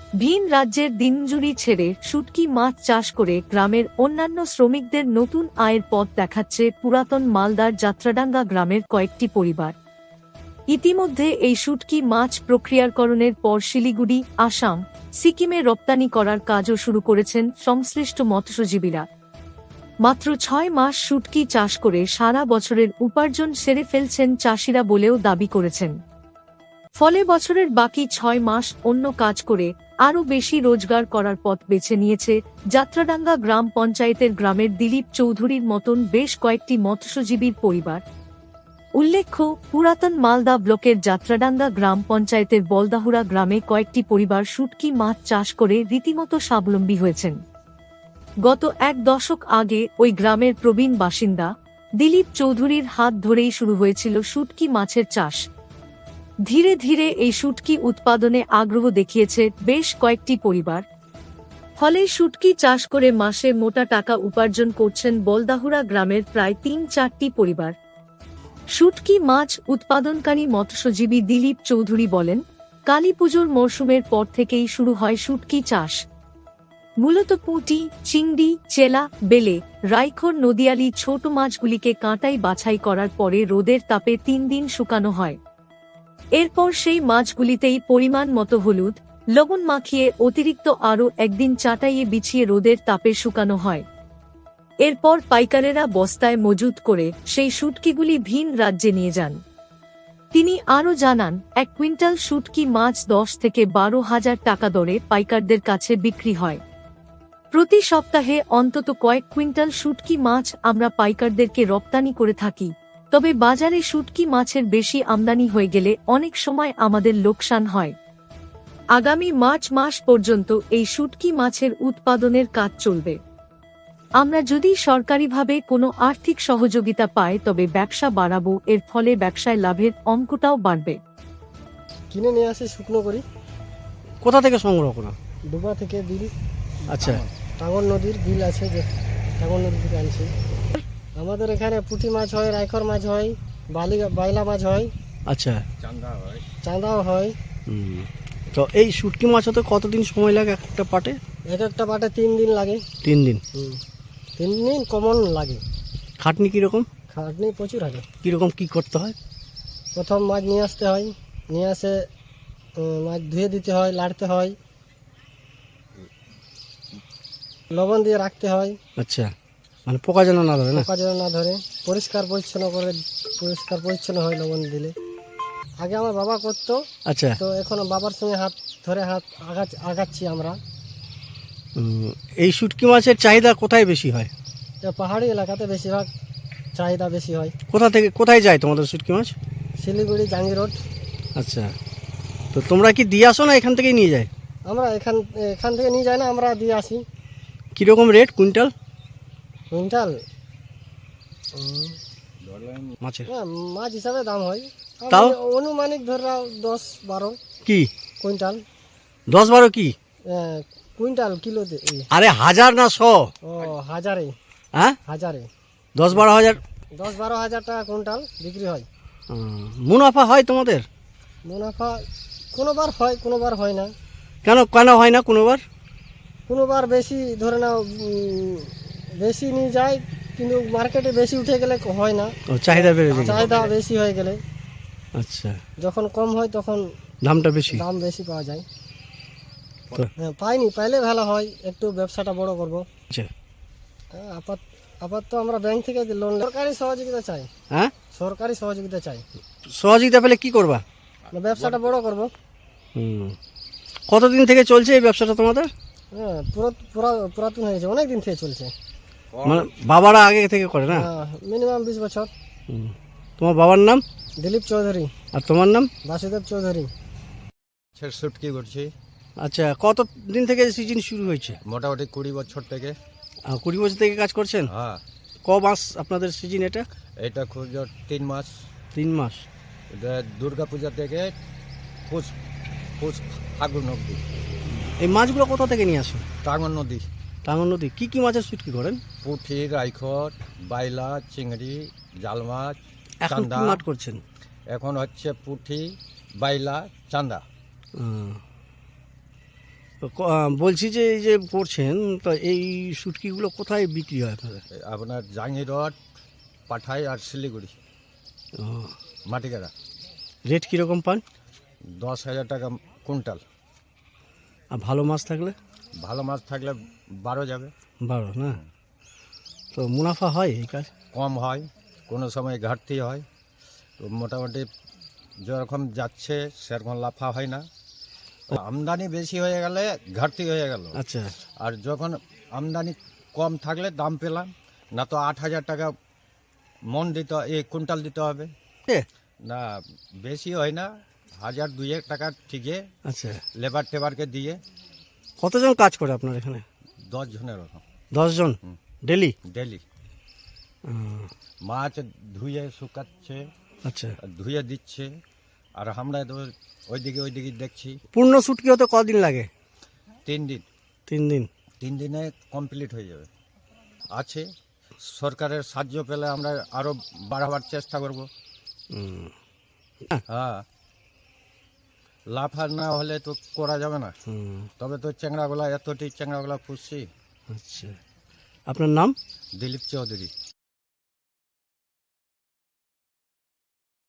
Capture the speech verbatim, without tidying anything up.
ভিন রাজ্যের দিনমজুরি ছেড়ে শুটকি মাছ চাষ করে গ্রামের অন্যান্য শ্রমিকদের নতুন আয়ের পথ দেখাচ্ছে পুরাতন মালদার যাত্রাডাঙ্গা গ্রামের কয়েকটি পরিবার। ইতিমধ্যে এই শুটকি মাছ প্রক্রিয়াকরণের পর শিলিগুড়ি, আসাম, সিকিমে রপ্তানি করার কাজও শুরু করেছেন সংশ্লিষ্ট মৎস্যজীবীরা। মাত্র ছয় মাস শুটকি চাষ করে সারা বছরের উপার্জন সেরে ফেলছেন চাষিরা বলেও দাবি করেছেন। ফলে বছরের বাকি ছয় মাস অন্য কাজ করে আরও বেশি রোজগার করার পথ বেছে নিয়েছে যাত্রাডাঙ্গা গ্রাম পঞ্চায়েতের গ্রামের দিলীপ চৌধুরীর মতন বেশ কয়েকটি মৎস্যজীবীর পরিবার। উল্লেখ্য, পুরাতন মালদা ব্লকের যাত্রাডাঙ্গা গ্রাম পঞ্চায়েতের বলদাহুরা গ্রামে কয়েকটি পরিবার শুটকি মাছ চাষ করে রীতিমতো স্বাবলম্বী হয়েছেন। গত এক দশক আগে ওই গ্রামের প্রবীণ বাসিন্দা দিলীপ চৌধুরীর হাত ধরেই শুরু হয়েছিল শুটকি মাছের চাষ। ধীরে ধীরে এই শুটকি উৎপাদনে আগ্রহ দেখিয়েছে বেশ কয়েকটি পরিবার। ফলে শুটকি চাষ করে মাসে মোটা টাকা উপার্জন করছেন বলদাহুরা গ্রামের প্রায় তিন চারটি পরিবার। শুটকি মাছ উৎপাদনকারী মৎস্যজীবী দিলীপ চৌধুরী বলেন, কালীপুজোর মরশুমের পর থেকেই শুরু হয় শুটকি চাষ। মূলত পুঁটি, চিংড়ি, চেলা, বেলে, রাইখর নদীয়ালি ছোট মাছগুলিকে কাঁটাই বাছাই করার পরে রোদের তাপে তিন দিন শুকানো হয়। এরপর সেই মাছগুলিতেই পরিমাণ মতো হলুদ, লবণ মাখিয়ে অতিরিক্ত আরও একদিন চাটাইয়ে বিছিয়ে রোদের তাপে শুকানো হয়। এরপর পাইকারেরা বস্তায় মজুত করে সেই শুটকিগুলি ভিন রাজ্যে নিয়ে যান। তিনি আরও জানান, এক কুইন্টাল শুটকি মাছ দশ থেকে বারো হাজার টাকা দরে পাইকারদের কাছে বিক্রি হয়। প্রতি সপ্তাহে অন্তত কয়েক কুইন্টাল শুটকি মাছ আমরা পাইকারদেরকে রপ্তানি করে থাকি। তবে বাজারে শুটকি মাছের বেশি আমদানি হয়ে গেলে অনেক সময় আমাদের লোকসান হয়। আগামী মার্চ মাস পর্যন্ত এই শুটকি মাছের উৎপাদনের কাজ চলবে। আমরা যদি সরকারিভাবে কোনো আর্থিক সহযোগিতা পাই তবে ব্যবসা বাড়াবো, এর ফলে ব্যবসায় লাভের অঙ্কটাও বাড়বে। কিনে নিয়ে আসি, শুকনো করি। কোথা থেকে সংগ্রহ করা? ডুবা থেকে বিল। আচ্ছা, টাঙ্গন নদীর বিল আছে, যে টাঙ্গন নদী থেকে আনছি। আমাদের এখানে পুঁটি মাছ হয়, রাইখর মাছ হয়, বালি বাইলা মাছ হয়। আচ্ছা, চান্দা হয়, চান্দাও হয়। হুম। তো এই শুটকি মাছ হতে কতদিন সময় লাগে একটা পাটে? এক একটা পাটে তিন দিন লাগে। তিন দিন? হুম, তিন দিন কমন লাগে। খাটনি কীরকম? খাটনি প্রচুর আছে। কীরকম কী করতে হয়? প্রথম মাছ নিয়ে আসতে হয়, নিয়ে আসে মাছ ধুয়ে দিতে হয়, লাড়তে হয়, লবণ দিয়ে রাখতে হয়। আচ্ছা, মানে পোকা যেন না ধরে না? পোকা যেন না ধরে, পরিষ্কার পরিচ্ছন্ন করে, পরিষ্কার পরিচ্ছন্ন হয় লবণ দিলে। আগে আমার বাবা করতো। আচ্ছা, তো এখন বাবার সঙ্গে হাত ধরে হাত আগা আগাচ্ছি আমরা। এই শুটকি মাছের চাহিদা কোথায় বেশি হয়? পাহাড়ি এলাকাতে বেশিরভাগ চাহিদা বেশি হয়। কোথা থেকে কোথায় যায় তোমাদের শুটকি মাছ? শিলিগুড়ি, জাঙ্গি রোড। আচ্ছা, তো তোমরা কি দিয়ে আসো না এখান থেকেই নিয়ে যায়? আমরা এখান এখান থেকে নিয়ে যাই না, আমরা দিয়ে আসি। কীরকম রেট কুইন্টাল? কুইন্টাল মাছের মাছ হিসাবে দাম হয়। তাও অনুমানিক ধরে নাও দশ বারো। কি কুইন্টাল? দশ বারো কি কুইন্টাল? কিলো? আরে হাজার না শ? ও হাজারে। হ্যাঁ, হাজারে দশ বারো হাজার। দশ বারো হাজার টাকা কুইন্টাল বিক্রি হয়। মুনাফা হয় তোমাদের? মুনাফা কোনোবার হয়, কোনোবার হয় না। কেন কেন হয় না? কোনোবার কোনোবার বেশি ধরে নাও বেশি নিয়ে যায়, কিন্তু মার্কেটে বেশি উঠে গেলে হয় না। চাহিদা বেড়ে যায়, চাহিদা বেশি হয়ে গেলে। আচ্ছা, যখন কম হয় তখন দামটা বেশি, দাম বেশি পাওয়া যায়। হ্যাঁ, পাইনি, পাইলে ভালো হয়, একটু ব্যবসাটা বড় করবো। আচ্ছা, আপাত আপাতত আমরা ব্যাংক থেকে লোন, সরকারি সহযোগিতা চাই। হ্যাঁ, সরকারি সহযোগিতা চাই। সহযোগিতা পেলে কি করবা? ব্যবসাটা বড় করবো। হুম। কতদিন থেকে চলছে এই ব্যবসাটা তোমাদের? হ্যাঁ, পুরাতন হয়েছে, অনেক দিন থেকে চলছে। মানে বাবারা আগে থেকে করে না? মিনিমাম বিশ বছর। তোমার বাবার নাম? দিলীপ চৌধুরী। আর তোমার নাম? বাসুদেব চৌধুরী। শুটকি করছি। আচ্ছা, কত দিন থেকে সিজন শুরু হয়েছে? মোটামুটি কুড়ি বছর থেকে। কুড়ি বছর থেকে কাজ করছেন? হ্যাঁ। ক মাস আপনাদের সিজন এটা? এটা খুব তিন মাস। তিন মাস। এটা দুর্গা পূজা থেকে পুষ পুষ ফাগুন অবধি। এই মাছগুলো কোথা থেকে নিয়ে আসেন? টাঙ্গন নদী। টাঙ্গন নদী। কি কি মাছের শুটকি করেন? পুঁটি, রাইখর, বাইলা, চিংড়ি, জাল মাছ, এখন কি মাছ করছেন? এখন হচ্ছে পুঁটি, বাইলা, চান্দা। তো ক- আহ, বলছি যে এই যে করছেন তো এই শুটকিগুলো কোথায় বিক্রি হয় আপনাদের? আপনার জাঙ্গি রড পাঠাই আর শিলিগুড়ি ও, মাটিগাড়া রেট কীরকম পান? দশ হাজার টাকা কুইন্টাল। আর ভালো মাছ থাকলে? ভালো মাছ থাকলে বারো যাবে। বারো না? তো মুনাফা হয় এই কাজ? কম হয়, কোনো সময় ঘাটতি হয়। তো মোটামুটি যেরকম যাচ্ছে সেরকম লাফা হয় না। আমদানি বেশি হয়ে গেলে ঘাটতি হয়ে গেল, আচ্ছা। আর যখন আমদানি কম থাকলে দাম পেলাম না। তো আট হাজার টাকা মন দিতে এই কুইন্টাল দিতে হবে এ, না, বেশি হয় না, হাজার দুয়েক টাকা ঠিকই আচ্ছা। লেবার টেবারকে দিয়ে। কতজন কাজ করে আপনার এখানে? দশ জনের ওরকম দশজন হুম। ডেলি? ডেলি মাছ ধুয়ে শুকাচ্ছে, আচ্ছা। আর ধুয়ে দিচ্ছে, আর আমরা তো ওইদিকে ওইদিকে দেখছি। পূর্ণ শুটকি হতে কদিন লাগে? তিন দিন তিন দিন? তিন দিনে কমপ্লিট হয়ে যাবে। আছে সরকারের সাহায্য পেলে আমরা আরও বাড়াবার চেষ্টা করব। হুম। হ্যাঁ, লাফা না হলে তো করা যাবে না। হুম, তবে তো চ্যাংড়াগুলা এতটি চ্যাংড়াগুলা পুষছি। আচ্ছা। আপনার নাম? দিলীপ চৌধুরী।